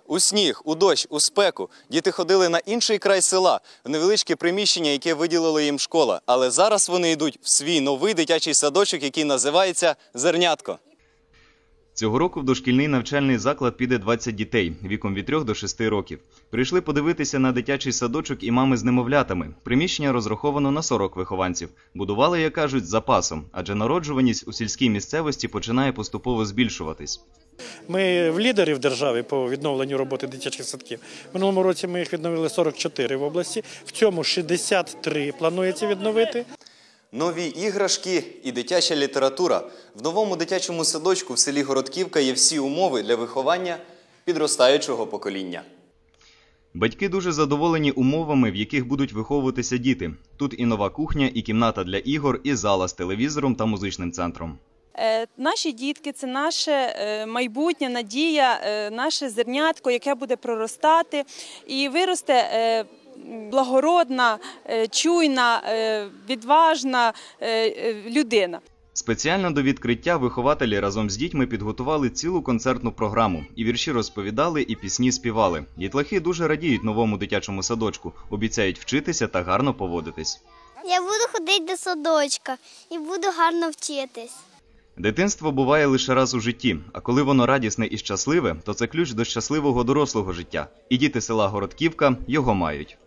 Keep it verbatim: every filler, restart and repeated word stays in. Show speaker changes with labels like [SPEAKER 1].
[SPEAKER 1] У сніг, у дощ, у спеку діти ходили на інший край села, в невеличке приміщення, яке виділила їм школа. Але зараз вони йдуть в свій новий дитячий садочок, який називається «Зернятко». Цього року в дошкільний навчальний заклад піде двадцять дітей віком від трьох до шести років. Прийшли подивитися на дитячий садочок і мами з немовлятами. Приміщення розраховано на сорок вихованців. Будували, як кажуть, з запасом, адже народжуваність у сільській місцевості починає поступово збільшуватись.
[SPEAKER 2] Ми в лідері в державі по відновленню роботи дитячих садків. Минулому році ми їх відновили сорок чотири в області, в цьому шістдесят три планується відновити.
[SPEAKER 1] Нові іграшки і дитяча література. В новому дитячому садочку в селі Городківка є всі умови для виховання підростаючого покоління. Батьки дуже задоволені умовами, в яких будуть виховуватися діти. Тут і нова кухня, і кімната для ігор, і зала з телевізором та музичним центром.
[SPEAKER 3] Наші дітки – це наше майбутнє, надія, наше зернятко, яке буде проростати і виросте благородна, чуйна, відважна людина.
[SPEAKER 1] Спеціально до відкриття вихователі разом з дітьми підготували цілу концертну програму. І вірші розповідали, і пісні співали. Дітлахи дуже радіють новому дитячому садочку, обіцяють вчитися та гарно поводитись.
[SPEAKER 4] Я буду ходити до садочка і буду гарно вчитись.
[SPEAKER 1] Дитинство буває лише раз у житті, а коли воно радісне і щасливе, то це ключ до щасливого дорослого життя. І діти села Городківка його мають.